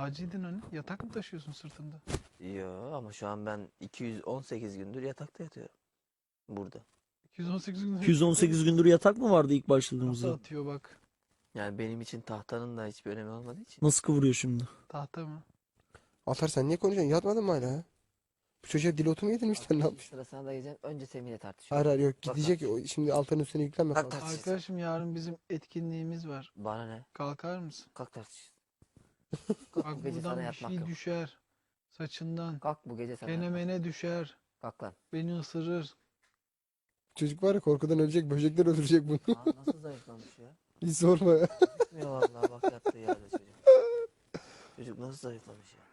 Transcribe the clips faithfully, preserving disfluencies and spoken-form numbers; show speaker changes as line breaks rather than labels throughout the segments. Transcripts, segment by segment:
Taciydin hani. Yatak mı taşıyorsun sırtında?
Yo ama şu an ben iki yüz on sekiz gündür yatakta yatıyorum. Burada.
iki yüz on sekiz gün
iki yüz on sekiz gündür yatak mı vardı ilk
tahta
başladığımızda?
atıyor bak.
Yani benim için tahtanın da hiçbir önemi olmadığı için.
Nasıl kıvırıyor şimdi?
Tahta mı?
Altar sen niye konuşuyorsun? Yatmadın mı hala? ha? Bu çocuğa dil otu mu yedirmişler ne yapmış?
Sırasına da geleceğim. Önce Semih'le
Hayır
tartışıyorum.
hayır yok
Bak,
gidecek.
bak.
O- Şimdi Altar'ın üstüne yüklenme
Kalk
fazla.
tartışacağız.
Arkadaşım yarın bizim etkinliğimiz var.
Bana ne?
Kalkar mısın?
Kalk tartışacağız.
Bak
Bu gece sana
buradan bir
yatmak
şey
yok.
düşer. Saçından.
Kalk bu gece sana yatmak.
Kenemene düşer.
Kalk lan.
Beni ısırır.
Çocuk var ya korkudan ölecek. Böcekler öldürecek bunu.
Aa, nasıl zayıflamış ya?
Hiç sorma ya.
Gitmiyor vallahi bak yattığı yerde çocuk. Çocuk nasıl zayıflamış ya?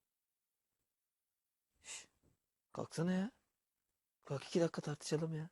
Şş, kalksana ya. Kalk iki dakika tartışalım ya.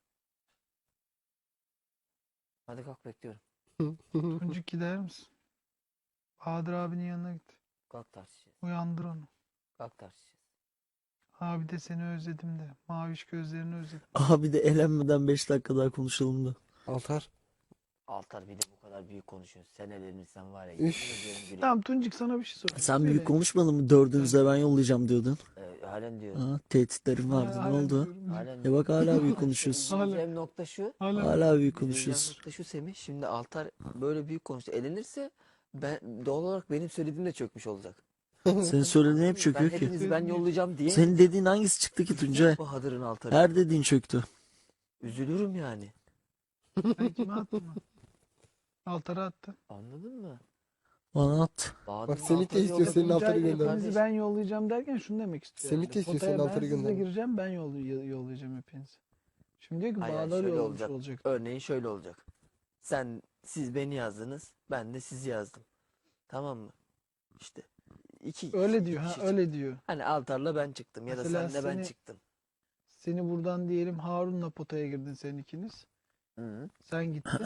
Hadi kalk bekliyorum.
Tuncuk gider misin? Bahadır abinin yanına git.
Kalk tartışacağız.
Uyandır onu.
Kalk tartışacağız.
Abi de seni özledim de. Maviş gözlerini özledim.
Abi de elenmeden beş dakika daha konuşalım da.
Altar.
Altar bir de bu kadar büyük konuşuyorsun. Sen elenirsen var ya.
Üf.
yemin ediyorum gülüyorum.
Tamam Tuncuk sana bir şey sorayım.
Sen
Söyle.
büyük konuşmadın mı? Dördünüze ben yollayacağım diyordun.
Ee, halen diyorum.
Ha, tehditlerim
Ha,
vardı. Ne
halen
oldu?
diyorum.
Halen
Ya
diyorum.
bak hala büyük konuşuyorsun.
Üzüleceğim nokta şu.
Hala.
Hala büyük
Üzüleceğim
konuşuyorsun.
nokta şu Semih. Şimdi Altar böyle büyük konuştu. Elenirse ben doğal olarak benim söylediğim de çökmüş olacak.
Senin söylediğin hep
Ben
çöküyor ki.
hepinizi ben yollayacağım diye.
Senin dediğin hangisi çıktı ki Tuncay?
Bahadır'ın Altar'ı.
Her dediğin çöktü.
Üzülürüm yani.
Sen kime attın mı? Altara attın.
Anladın mı?
Bana at.
Bahadır'ın
Semih de
Altar'ı
istiyor
yolladım.
senin
Tuncay
Altar'ı gönder.
hepinizi ben yollayacağım derken şunu demek istiyor.
Semih
herhalde.
de istiyor senin
Potaya
Altar'ı
ben sizle
göndermek.
gireceğim ben yol, yollayacağım hepinizi. Şimdi diyor ki
Hayır, hayır,
Bahadır
şöyle
yollamış
olacak.
olacak.
Örneğin şöyle olacak. Sen, siz beni yazdınız. Ben de sizi yazdım. Tamam mı? İşte. iki
Öyle
iki
diyor ha
kişi
öyle
çıktı.
diyor.
Hani Altar'la ben çıktım ya da
Mesela
senle ben
seni-
çıktım.
Seni buradan diyelim Harun'la potaya girdin sen ikiniz.
Hı.
Sen gittin.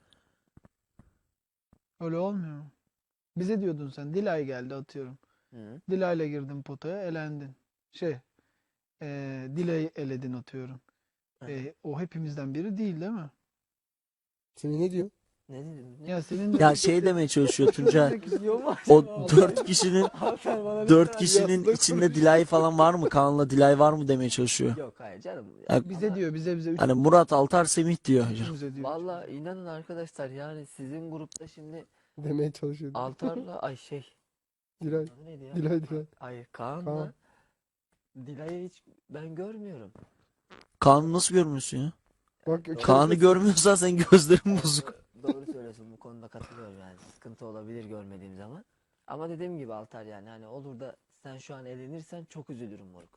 Öyle olmuyor mu? Bize diyordun sen. Dilay geldi atıyorum.
Hı.
Dilay'la girdin potaya elendin. Şey eee Dilay'ı eledin atıyorum.
Evet.
E, o hepimizden biri değil değil mi?
Semih ne diyor?
Ne dedim? Ne?
Ya senin de
Ya şey demeye çalışıyor Tuncay.
Diyor mu?
O dört kişinin
Altar bana ne
dört
kadar
kişinin
yazdı?
içinde Dilay falan var mı? Kaan'la Dilay var mı demeye çalışıyor.
Yok hayır canım.
Ya,
bize diyor bize bize
hani Murat, Altar, Semih diyor.
üçümüze diyor.
Valla inanın arkadaşlar yani sizin grupta şimdi
Demeye çalışıyor.
Altar'la ay şey
Dilay.
adı neydi ya?
Dilay Dilay.
Ay Kaan'la
Kaan.
Dilay'ı hiç ben görmüyorum.
Kaan'ı nasıl görmüyorsun ya?
Bak
Doğru.
Kaan'ı görmüyorsan sen gözlerin bozuk.
Doğru söylüyorsun bu konuda katılıyorum yani. Sıkıntı olabilir görmediğim zaman. Ama dediğim gibi Altar yani hani olur da sen şu an elenirsen çok üzülürüm moruk.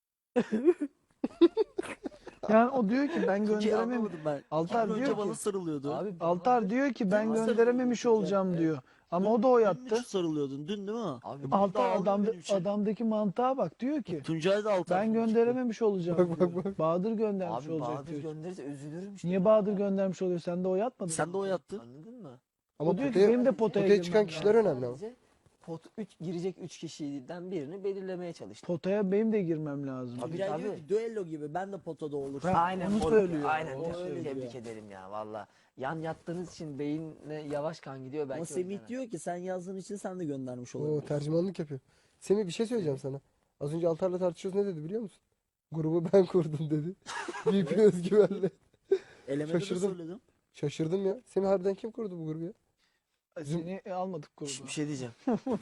Yani o diyor ki ben
Tuncay
gönderemem.
anlamadım ben.
Altar
İki gün
diyor
önce bana
ki
sarılıyordu.
Abi
Altar diyor ki ben
Nasıl
gönderememiş
sarılıyordu
olacağım
Tuncay?
diyor. Ama o da
Dün
o
mü
yattı.
sarılıyordun? Dün değil mi?
Abi
E, bu da
Altar
ağlıyor
adam,
benim için.
adamdaki mantığa bak diyor ki
Tuncay da Altar.
ben gönderememiş olacağım
Bak, bak,
diyor.
bak.
Bahadır göndermiş
abi
olacak
Bahadır
diyor.
gönderirse üzülürüm işte.
Niye Bahadır göndermiş oluyor? Sen de o yatmadın.
Sen de o yattın.
Anladın mı?
Ama
O diyor ki
potaya,
benim de potaya,
potaya çıkan
girmem
kişiler
lazım.
önemli ama.
Sadece pot üç girecek üç kişiden birini belirlemeye çalıştım.
Potaya benim de girmem lazım.
Tabii,
Tuncay diyor
tabii.
ki düello gibi ben de potada olursam.
Ha,
Aynen
onu
moruk,
söylüyor.
Aynen.
O
Tebrik-
öyle
Tebrik
diyor.
ederim ya valla. Yan yattığınız için beyinle yavaş kan gidiyor belki.
Ama
o
Semih
yüzden.
diyor ki sen yazdığın için sen de göndermiş
Oo,
olabilirsin.
tercümanlık yapıyor. Semih bir şey söyleyeceğim sana. Az önce Altar'la tartışıyoruz ne dedi biliyor musun? Grubu ben kurdum dedi. Büyük bir özgüvenle.
Elemede de
Şaşırdım.
söyledim.
Şaşırdım ya. Semih harbiden kim kurdu bu grubu ya?
Seni almadık
Şş,
gruba.
bir şey diyeceğim.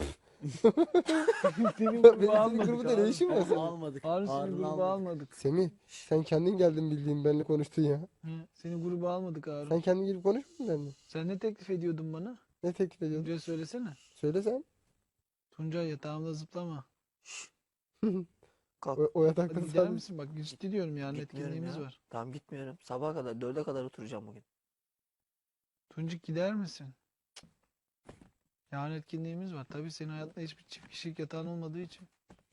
Senin
Benim
gruba
senin
almadık.
grubunda ne işin var
Harun
senin?
almadık.
Harun seni
Harun
gruba
almadık.
almadık.
Semih sen kendin geldin bildiğin benimle konuştun ya.
Hı, Seni gruba almadık Harun.
Sen kendin gelip konuşmadın benimle.
Sen ne teklif ediyordun bana?
Ne teklif ediyordun?
Tuncay söylesene.
Söyle sen.
Tuncay yatağımda zıplama.
Kalk.
O, o yatakta
Hadi gider
sadece.
misin? Bak ciddi diyorum yani
Gitmiyorum
etkinliğimiz
ya.
var.
Tamam gitmiyorum. Sabaha kadar dörde kadar oturacağım bugün.
Tuncuk gider misin? Yarın etkinliğimiz var. Tabii senin hayatında hiçbir çift kişilik yatağın olmadığı için.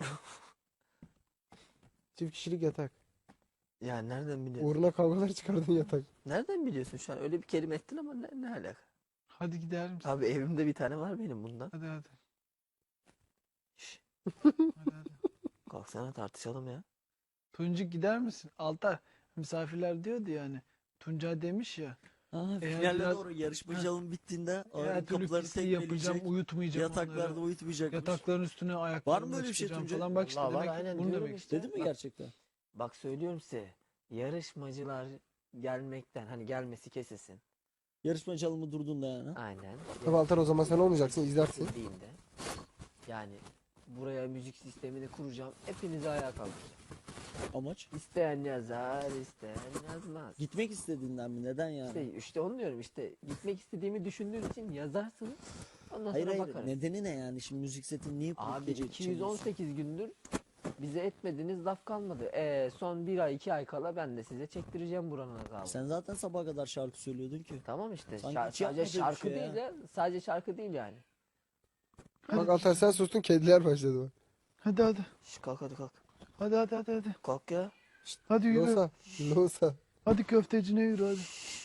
Çift kişilik yatak.
Ya nereden biliyorsun?
Uğruna kavgalar çıkardın yatak.
Nereden biliyorsun şu an? Öyle bir kelime ettin ama ne, ne alaka?
Hadi gider misin?
Abi evimde bir tane var benim bundan.
Hadi hadi.
Şş,
Hadi hadi.
kalksana tartışalım ya.
Tuncuk gider misin? Altar misafirler diyordu yani. Tuncay demiş ya.
Ha,
Eğer
finale
biraz-
doğru yarışmacılığın bittiğinde
Her
ağırın
türlü
kapıları
pisliği yapacağım,
tekmeleyecek.
uyutmayacağım
Yataklarda
onları.
uyutmayacakmış.
Yatakların üstüne
Var
ayaklarımla
mı öyle bir şey
çıkacağım
Tuncay?
falan. Bak işte
Vallahi var,
demek
aynen
bunu
diyorum
demek
işte.
Dedi mi
Bak-
gerçekten?
Bak söylüyorum size. Yarışmacılar gelmekten hani gelmesi kesilsin.
Yarışmacılığımı durduğunda yani.
Aynen.
Tabii Altar, o zaman sen olmayacaksın, izlersin.
Kesildiğinde yani buraya müzik sistemini kuracağım. Hepinizi ayağa kaldıracağım.
Amaç.
İsteyen yazar, isteyen yazmaz.
Gitmek istediğinden mi? Neden yani?
İşte, işte onu diyorum işte gitmek istediğimi düşündüğün için yazarsınız. Ondan
Hayır
sonra
hayır.
bakarız.
Nedeni ne yani? Şimdi müzik setini niye kurup
Abi
gece
iki yüz on
çalıyorsun?
sekiz gündür bize etmediğiniz laf kalmadı. E, son bir ay iki ay kala ben de size çektireceğim buranın azabını.
Sen zaten sabaha kadar şarkı söylüyordun ki.
Tamam işte.
Sanki
Şar-
hiç yapmadığın
sadece
bir
şarkı
şey ya.
değil ya. Sadece şarkı değil yani.
Bak Altar, sen sustun, kediler başladı bak.
Hadi hadi.
Şş, kalk hadi kalk.
Hadi hadi hadi hadi.
Kalk ya.
Hadi yürü.
Losa. Losa.
Hadi köftecine yürü hadi.